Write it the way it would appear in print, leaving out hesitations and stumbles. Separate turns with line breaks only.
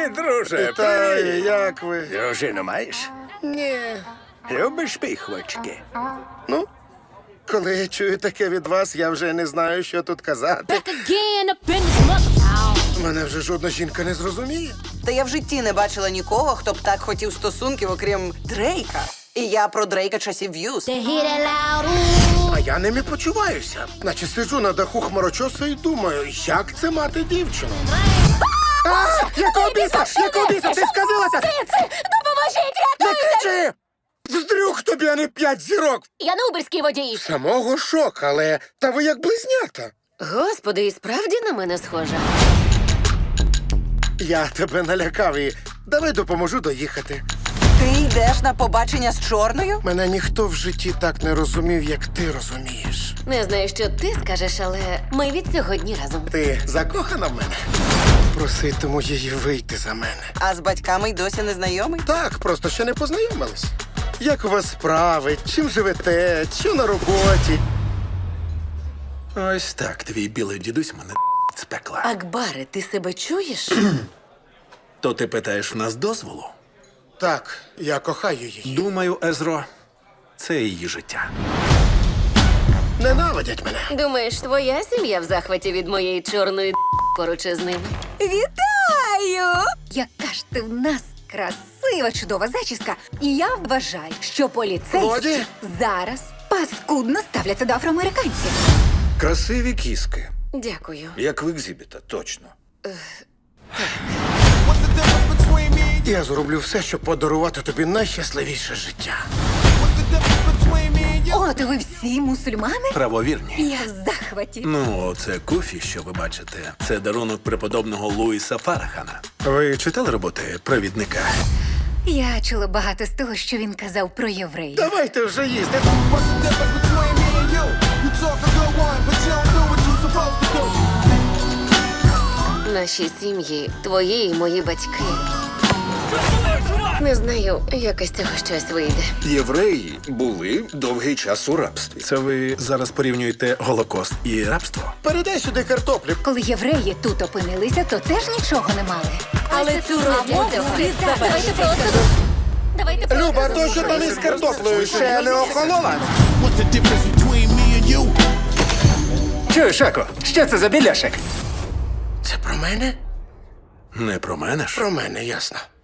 Привіт, друже.
Вітаю, як ви?
Дружину маєш?
Ні.
Любиш піхвочки?
Ну, коли я чую таке від вас, я вже не знаю, що тут казати.
Back again up in this mother
Мене вже жодна жінка не зрозуміє.
Та я в житті не бачила нікого, хто б так хотів стосунків, окрім Дрейка. І я про Дрейка часів В'юз.
They hear that loud ooh.
А я ними почуваюся. Наче сиджу на даху хмарочоса і думаю, як це мати дівчину. Якого біса? Якого біса? Ти сказилася?
Допоможіть,
Не
рятуйте!
кричи! Вздрюк тобі, а не 5 зірок!
Я не уберський водій.
Самого шок, але та ви як близнята.
Господи, і справді на мене схожа.
Я тебе налякав і давай допоможу доїхати.
Ти йдеш на побачення з чорною?
Мене ніхто в житті так не розумів, як ти розумієш.
Не знаю, що ти скажеш, але ми від сьогодні разом.
Ти закохана в мене? Проситиму її вийти за мене.
А з батьками й досі не знайомий?
Так, просто ще не познайомились. Як у вас справи? Чим живете? Що на роботі?
Ось так, твій білий дідусь мене з пекла.
Акбаре, ти себе чуєш?
То ти питаєш в нас дозволу?
Так, я кохаю її.
Думаю, Езро, це її життя.
Ненавидять мене.
Думаєш, твоя сім'я в захваті від моєї чорної поруч із ними?
Вітаю! Яка ж ти в нас красива, чудова зачіска. І я вважаю, що поліцейські
Годі?
зараз паскудно ставляться до афроамериканців.
Красиві кіски,
Дякую.
як в екзибіта, точно.
Я зроблю все, щоб подарувати тобі найщасливіше життя.
От ви всі мусульмани?
Правовірні.
Я в захваті.
Ну, це куфі, що ви бачите. Це дарунок преподобного Луїса Фарахана. Ви читали роботи провідника?
Я чула багато з того, що він казав про євреїв.
Давайте вже їсти.
Наші сім'ї, твої і мої батьки. Не знаю, як із цього щось вийде.
Євреї були довгий час у рабстві.
Це ви зараз порівнюєте Голокост і рабство?
Передай сюди картоплю.
Коли євреї тут опинилися, то теж нічого не мали.
Але цю розмову слід завершити. Давайте просто
Люба, то що там із картоплею ще не охолола?
Чуєш, Еко, що це за біляшик?
Це про мене?
Не про мене ж.
Про мене, ясно.